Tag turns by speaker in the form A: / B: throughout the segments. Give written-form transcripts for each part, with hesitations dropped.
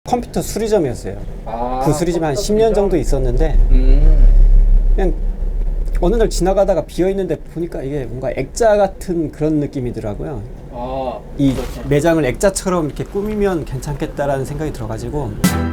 A: 컴퓨터 수리점이었어요.
B: 아,
A: 그 수리점에 한
B: 컴퓨터
A: 10년
B: 수리점?
A: 정도 있었는데 그냥 어느 날 지나가다가 비어있는데 보니까 이게 뭔가 액자 같은 그런 느낌이더라고요.
B: 아,
A: 이
B: 그렇죠.
A: 매장을 액자처럼 이렇게 꾸미면 괜찮겠다라는 생각이 들어가지고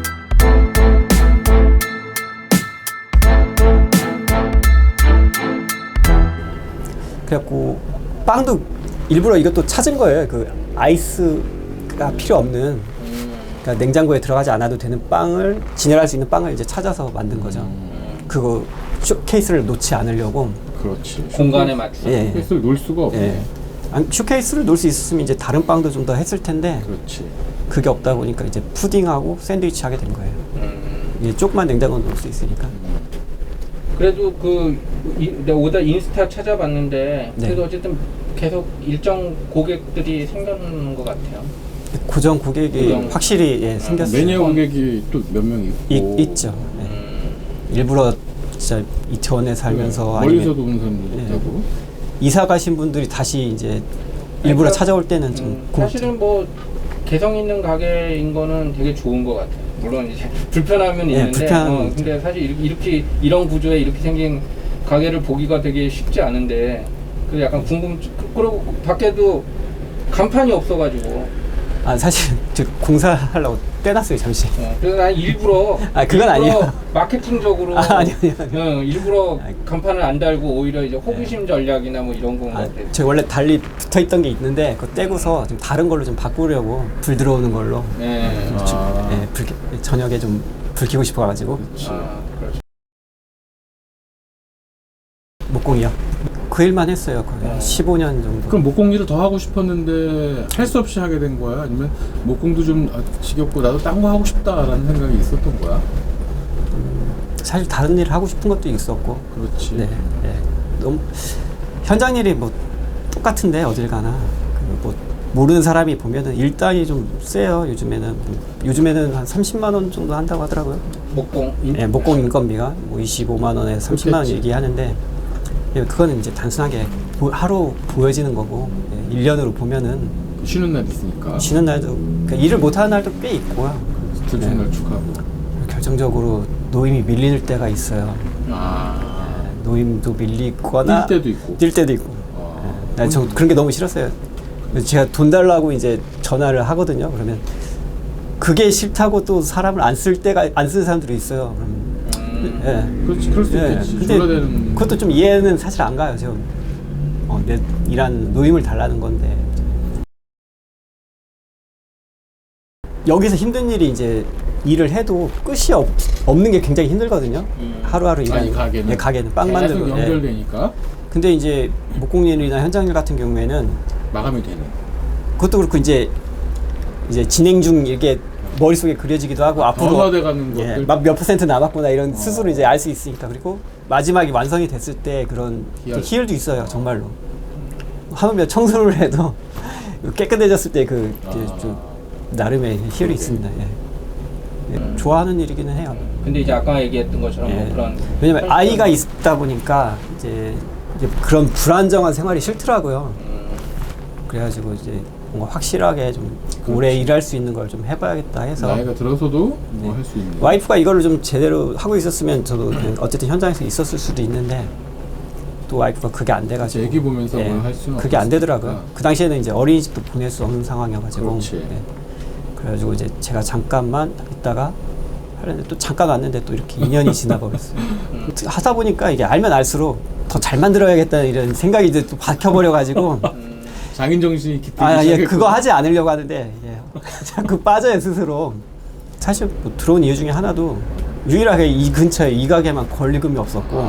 A: 그래갖고 빵도 일부러 이것도 찾은 거예요. 그 아이스가 필요 없는 그러니까 냉장고에 들어가지 않아도 되는 빵을 진열할 수 있는 빵을 이제 찾아서 만든 거죠. 그거 쇼케이스를 놓지 않으려고.
C: 그렇지.
B: 공간에 맞추고.
A: 예.
C: 쇼케이스를 놓을 수가 없네.
A: 예. 아니, 쇼케이스를 놓을 수 있었으면 이제 다른 빵도 좀 더 했을 텐데
C: 그렇지.
A: 그게 없다 보니까 이제 푸딩하고 샌드위치 하게 된 거예요. 이제 조그만 냉장고 놓을 수 있으니까.
B: 그래도 내가 오다 인스타 찾아봤는데
A: 네.
B: 그래도 어쨌든 계속 일정 고객들이 생겨나는 것 같아요.
A: 고정 고객이
B: 고정.
A: 확실히 예, 생겼어요.
C: 매니아 고객이 또 몇 명 있고.
A: 있죠. 예. 일부러 진짜 이태원에 살면서
C: 멀리서도
A: 아니면
C: 오는 사람도
A: 예.
C: 있다고.
A: 이사 가신 분들이 다시 이제 일부러 찾아올 때는 좀
B: 사실은 뭐 개성 있는 가게인 거는 되게 좋은 것 같아요. 물론 이제 불편함은
A: 예,
B: 있는데,
A: 불편함은
B: 근데 사실 이렇게 이런 구조에 이렇게 생긴 가게를 보기가 되게 쉽지 않은데, 그 약간 그리고 밖에도 간판이 없어가지고.
A: 아 사실 저 공사하려고 떼놨어요 잠시.
B: 그래서 난 일부러
A: 그건 아니에요.
B: 마케팅적으로
A: 아니요.
B: 일부러 간판을 안 달고 오히려 이제 호기심 전략이나 뭐 이런 건 같아요.
A: 저 원래 달리 붙어있던 게 있는데 그거 떼고서 좀 다른 걸로 좀 바꾸려고 불 들어오는 걸로.
B: 네.
A: 예, 저녁에 좀 불 켜고 싶어가지고.
B: 그렇죠.
A: 목공이요. 그 일만 했어요. 거의 15년 정도.
C: 그럼 목공 일을 더 하고 싶었는데 할 수 없이 하게 된 거야? 아니면 목공도 좀 지겹고 나도 딴 거 하고 싶다라는 생각이 있었던 거야?
A: 사실 다른 일 하고 싶은 것도 있었고.
C: 그렇지.
A: 네. 네. 너무 현장 일이 뭐 똑같은데 어딜 가나. 뭐 모르는 사람이 보면은 일당이 좀 세요. 요즘에는 한 30만 원 정도 한다고 하더라고요.
B: 목공.
A: 예, 목공 인건비가 뭐 25만 원에서 30만 원
C: 그렇겠지.
A: 얘기하는데 예, 그거는 이제 단순하게 하루 보여지는 거고 예, 1년으로 보면은
C: 쉬는 날 있으니까.
A: 쉬는 날도 그러니까 일을 못하는 날도 꽤 있고요.
C: 들추는 날 축하하고.
A: 결정적으로 노임이 밀릴 때가 있어요. 노임도 밀리거나
C: 뛸 때도 있고.
A: 뛸 때도 있고. 예, 저 그런 게 너무 싫었어요. 제가 돈 달라고 이제 전화를 하거든요. 그러면 그게 싫다고 또 사람을 안 쓰는 사람들이 있어요. 그러면 예.
C: 그렇지, 그럴 수 있겠지.
A: 근데
C: 졸라대는.
A: 그것도 좀 이해는 사실 안 가요. 지금 내 일한 노임을 달라는 건데 여기서 힘든 일이 이제 일을 해도 끝이 없는 게 굉장히 힘들거든요. 하루하루 일하는
C: 가게는.
A: 예, 가게는 빵
C: 계속
A: 만들고
C: 연결되니까
A: 근데 이제 목공일이나 현장일 같은 경우에는
C: 마감이 되는.
A: 그것도 그렇고 이제 진행 중 이렇게 머릿속에 그려지기도 하고 앞으로
C: 변화돼 가는
A: 예,
C: 것들.
A: 몇 퍼센트 남았구나 이런 스스로 이제 알 수 있으니까. 그리고 마지막에 완성이 됐을 때 그런 희열도 있어요. 정말로 하물며 청소를 해도 깨끗해졌을 때 좀 나름의 희열이 있습니다. 예. 좋아하는 일이기는 해요.
B: 근데 이제 아까 얘기했던 것처럼 뭐 그런
A: 왜냐면 아이가 있다 보니까 이제 그런 불안정한 생활이 싫더라고요. 그래가지고 이제 뭔가 확실하게 좀 오래 일할 수 있는 걸 좀 해봐야겠다 해서
C: 나이가 들어서도 뭐 할 수 있는.
A: 와이프가 이거를 좀 제대로 하고 있었으면 저도 그냥 어쨌든 현장에서 있었을 수도 있는데 또 와이프가 그게 안 돼가지고
C: 애기 보면서 뭘 할 수는
A: 그게 안 되더라고요.
C: 없으니까.
A: 그 당시에는 이제 어린이집도 보낼 수 없는 상황이어가지고
C: 그렇지.
A: 그래가지고 이제 제가 잠깐만 있다가 하려는데 또 잠깐 왔는데 또 이렇게 2년이 지나버렸어요. 하다 보니까 이게 알면 알수록 더 잘 만들어야겠다는 이런 생각이 이제 또 박혀버려가지고
C: 장인 정신이 깃들기
A: 예,
C: 시작했구나.
A: 그거 하지 않으려고 하는데 자꾸 빠져요 스스로. 사실 뭐 들어온 이유 중에 하나도 유일하게 이 근처에 이 가게만 권리금이 없었고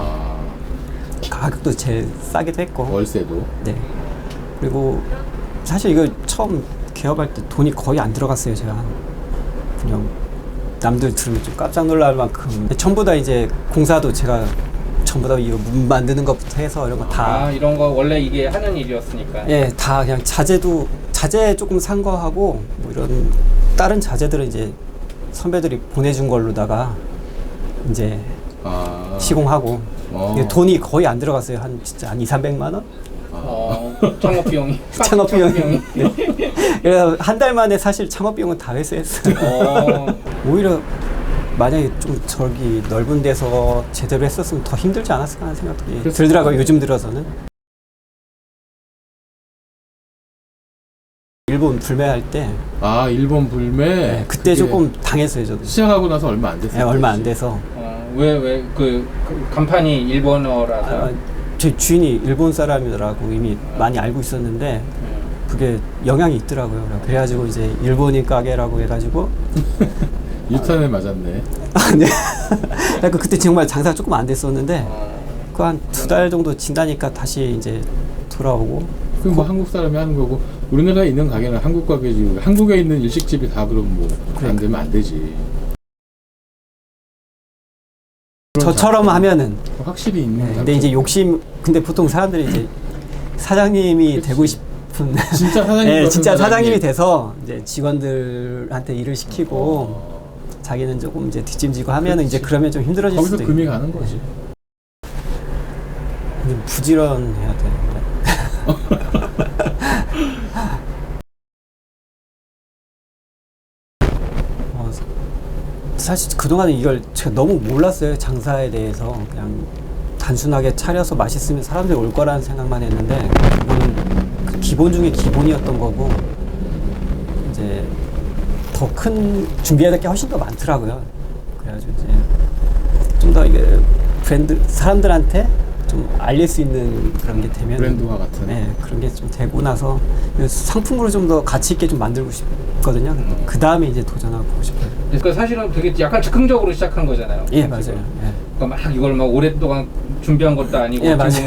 A: 가격도 제일 싸기도 했고
C: 월세도.
A: 네. 그리고 사실 이거 처음 개업할 때 돈이 거의 안 들어갔어요. 제가 그냥 남들 들으면 좀 깜짝 놀랄 만큼 전부 다 이제 공사도 제가 전부 다 이거 문 만드는 것부터 해서 이런 거 다
B: 이런 거 원래 이게 하는 일이었으니까.
A: 예, 다 그냥 자재 조금 산 거 하고 뭐 이런 다른 자재들은 이제 선배들이 보내준 걸로다가 이제 시공하고 이게 돈이 거의 안 들어갔어요. 진짜 한 2, 300만 원?
B: 창업 비용이.
A: 창업 비용이. 네. 그래서 한 달 만에 사실 창업 비용은 다 회수했어요. 오히려 만약에 좀 저기 넓은 데서 제대로 했었으면 더 힘들지 않았을까 하는 생각이 들더라고요. 요즘 들어서는. 일본 불매할 때
C: 아, 일본 불매.
A: 네, 그때 조금 당했어요, 저도.
C: 시작하고 나서 얼마 안 됐어요.
A: 네, 얼마 안 돼서.
B: 왜 그 간판이 일본어라서?
A: 제 주인이 일본 사람이더라고 이미 많이 알고 있었는데 그게 영향이 있더라고요. 그래가지고 이제 일본인 가게라고 해가지고
C: 유탄에 맞았네.
A: 네. 그러니까 그때 정말 장사가 조금 안 됐었는데 그 한 2달 정도 지나니까 다시 이제 돌아오고.
C: 그럼 뭐 한국 사람이 하는 거고 우리나라에 있는 가게는 한국 가게지. 한국에 있는 일식집이 다 그럼 뭐 안 되면 안 되지.
A: 저처럼 하면은
C: 확실히 있는.
A: 근데 이제 욕심 근데 보통 사람들이 이제 사장님이
C: 그치.
A: 되고 싶은
C: 진짜 사장님
A: 네,
C: 같은
A: 진짜 사장님이
C: 사장님.
A: 돼서 이제 직원들한테 일을 시키고 자기는 조금 이제 뒷짐지고 하면은 이제 그러면 좀 힘들어질
C: 거기서
A: 수도
C: 금이
A: 있고.
C: 가는 거지.
A: 근데 부지런해야 되는데. 사실 그동안은 이걸 제가 너무 몰랐어요. 장사에 대해서. 그냥 단순하게 차려서 맛있으면 사람들이 올 거라는 생각만 했는데 이거는 그 기본 중에 기본이었던 거고 이제 더 큰 준비해야 될 게 훨씬 더 많더라고요. 그래가지고 이제 좀 더 이게 브랜드 사람들한테 좀 알릴 수 있는 그런 게 되면
C: 브랜드화 같은.
A: 네, 그런 게 좀 되고 나서 상품으로 좀 더 가치 있게 좀 만들고 싶거든요. 그 다음에 이제 도전하고 싶어요.
B: 그러니까 사실은 되게 약간 즉흥적으로 시작한 거잖아요.
A: 예, 맞아요. 예.
B: 그러니까 막 이걸 막 오랫동안 준비한 것도 아니고.
A: 예, 맞아요.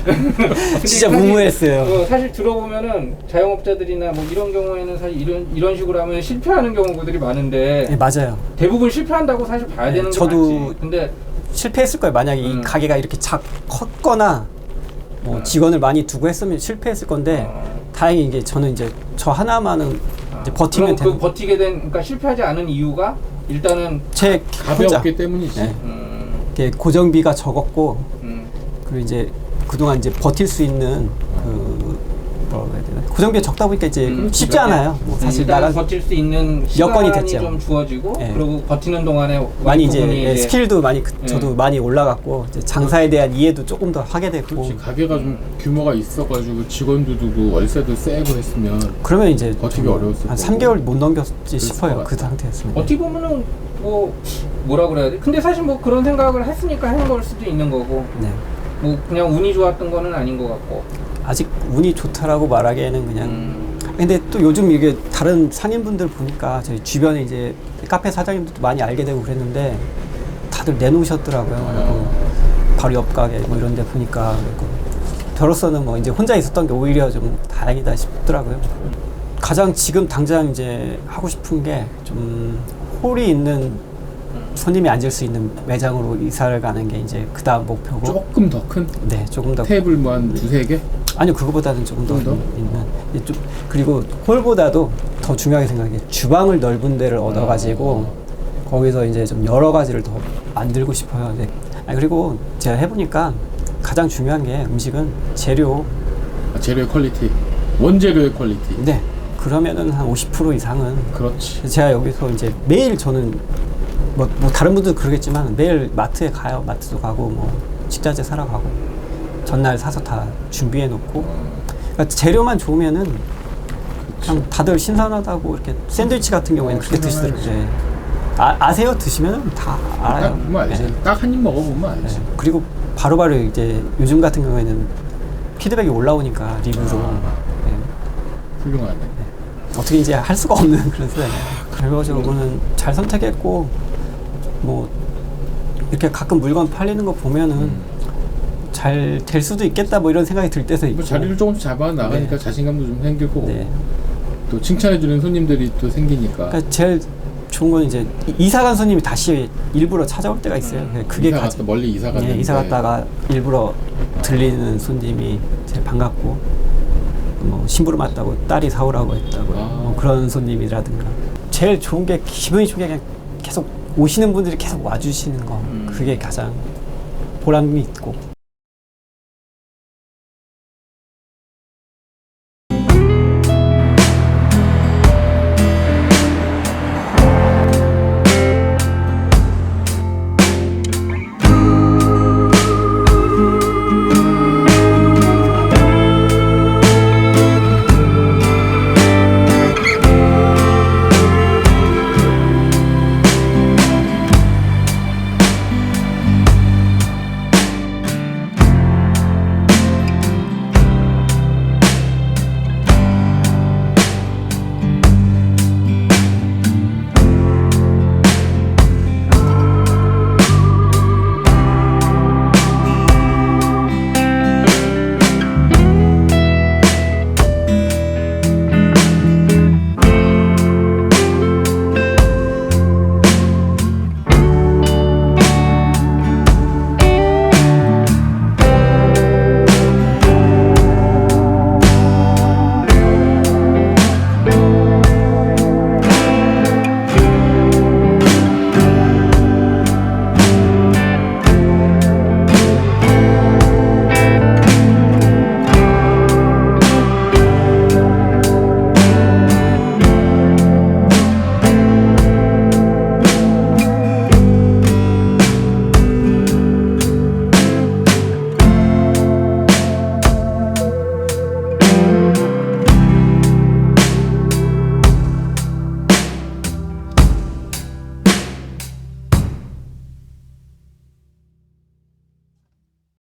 B: 근데
A: 진짜
B: 사실,
A: 무모했어요.
B: 사실 들어보면은 자영업자들이나 뭐 이런 경우에는 사실 이런 식으로 하면 실패하는 경우들이 많은데
A: 예, 맞아요.
B: 대부분 실패한다고 사실 봐야
A: 네,
B: 되는 게
A: 저도
B: 맞지. 근데
A: 실패했을 거예요. 만약에 이 가게가 이렇게 컸거나 뭐 직원을 많이 두고 했으면 실패했을 건데 다행히 이게 저는 이제 저 하나만은 이제 버티면
B: 그럼
A: 되는.
B: 그 버티게 된 그러니까 실패하지 않은 이유가 일단은
A: 제
C: 가벼웠기 때문이지.
A: 네. 이게 고정비가 적었고 그리고 이제 그동안 이제 버틸 수 있는 그 뭐라고 해야 되나 고정비가 적다 보니까 이제 쉽지 않아요. 뭐 사실
B: 일단
A: 나가
B: 버틸 수 있는
A: 여건이
B: 시간이
A: 됐죠.
B: 좀 주어지고
A: 예.
B: 그리고 버티는 동안에
A: 많이 이제
B: 부분이
A: 스킬도 많이 저도 많이 올라갔고 이제 장사에 대한 이해도 조금 더 하게 됐고.
C: 그렇지. 가게가 좀 규모가 있어가지고 직원도 두고 월세도 세고 했으면
A: 그러면 이제
C: 버티기
A: 좀
C: 어려웠을
A: 한
C: 거고.
A: 3개월 못 넘겼지 싶어요.
C: 것
A: 그
C: 같아요.
A: 상태였으면.
B: 어떻게 보면은 뭐라 그래야 돼? 근데 사실 뭐 그런 생각을 했으니까 한 걸 수도 있는 거고
A: 네.
B: 뭐 그냥 운이 좋았던 거는 아닌 것 같고.
A: 아직 운이 좋다라고 말하기에는 그냥. 근데 또 요즘 이게 다른 상인분들 보니까 저희 주변에 이제 카페 사장님들도 많이 알게 되고 그랬는데 다들 내놓으셨더라고요. 그리고 바로 옆 가게 뭐 이런 데 보니까 그리고 저로서는 뭐 이제 혼자 있었던 게 오히려 좀 다행이다 싶더라고요. 가장 지금 당장 이제 하고 싶은 게 좀 홀이 있는 손님이 앉을 수 있는 매장으로 이사를 가는 게 이제 그 다음 목표고.
C: 조금 더 큰
A: 네, 조금 더.
C: 테이블 뭐 한 두세 개?
A: 아니요, 그거보다는 조금 더
C: 좀 더?
A: 있는. 좀 그리고 홀보다도 더 중요하게 생각해 주방을 넓은 데를 얻어가지고 거기서 이제 좀 여러 가지를 더 만들고 싶어요. 네. 그리고 제가 해보니까 가장 중요한 게 음식은 재료.
C: 재료의 퀄리티, 원재료의 퀄리티.
A: 네. 그러면은 한 50% 이상은.
C: 그렇지.
A: 제가 여기서 이제 매일 저는 뭐 다른 분들 그러겠지만 매일 마트에 가요. 마트도 가고 뭐 식자재 사러 가고 전날 사서 다 준비해 놓고 그러니까 재료만 좋으면은 그냥 다들 신선하다고 이렇게 샌드위치 같은 경우에는 그렇게 드시더라고요. 네. 아세요? 드시면은 다 알아요.
C: 딱 보면 알지.
A: 네.
C: 딱 한 입 먹어보면 알지.
A: 네. 그리고 바로바로 이제 요즘 같은 경우에는 피드백이 올라오니까 리뷰로 네.
C: 훌륭하네.
A: 어떻게 이제 할 수가 없는 그런 세상이에요. 그래가지고 저는 잘 선택했고 뭐 이렇게 가끔 물건 팔리는 거 보면은 잘 될 수도 있겠다 뭐 이런 생각이 들 때도 있고.
C: 뭐 자리를 조금씩 잡아 나가니까
A: 네.
C: 자신감도 좀 생길 거고
A: 네.
C: 또 칭찬해주는 손님들이 또 생기니까.
A: 그러니까 제일 좋은 건 이제 이사 간 손님이 다시 일부러 찾아올 때가 있어요. 그게
C: 이사 갔다 멀리 이사 갔는데.
A: 이사 갔다가 일부러 들리는 손님이 제일 반갑고 뭐 심부름 왔다고 딸이 사오라고 했다고 뭐 그런 손님이라든가 제일 좋은 게 기분이 좋은 게 그냥 계속 오시는 분들이 계속 와주시는 거 그게 가장 보람이 있고